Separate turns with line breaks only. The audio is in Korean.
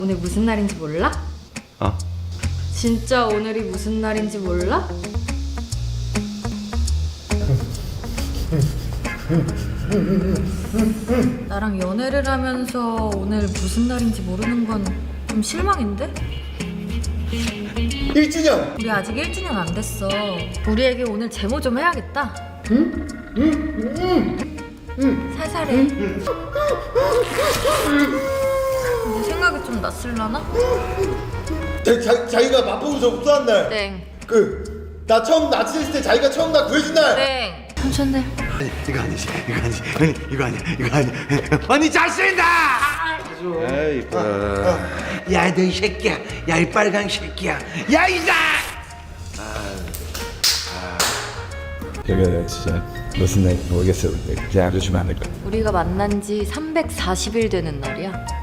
오늘 무슨 날인지 몰라?
어?
진짜 오늘이 무슨 날인지 몰라? 나랑 연애를 하면서 오늘 무슨 날인지 모르는 건 좀 실망인데?
1주년!
우리 아직 1주년 안 됐어. 우리에게 오늘 제모 좀 해야겠다. 살살해. 내 생각이 좀 낯설라나?
자기가 마포구에서 복수한 날.
땡.
나 처음 납치했을 때 자기가 처음 나 구해준 날.
땡. 삼촌들.
이거 아니지. 이거 아니야. 언니 잘생긴다. 에이,
야, 너 이 새끼야. 야, 이 빨강 새끼야. 야, 이자!
내가 진짜 무슨 날인지 모르겠어. 그냥 알려주면 안 될까?
우리가 만난 지 340일 되는 날이야.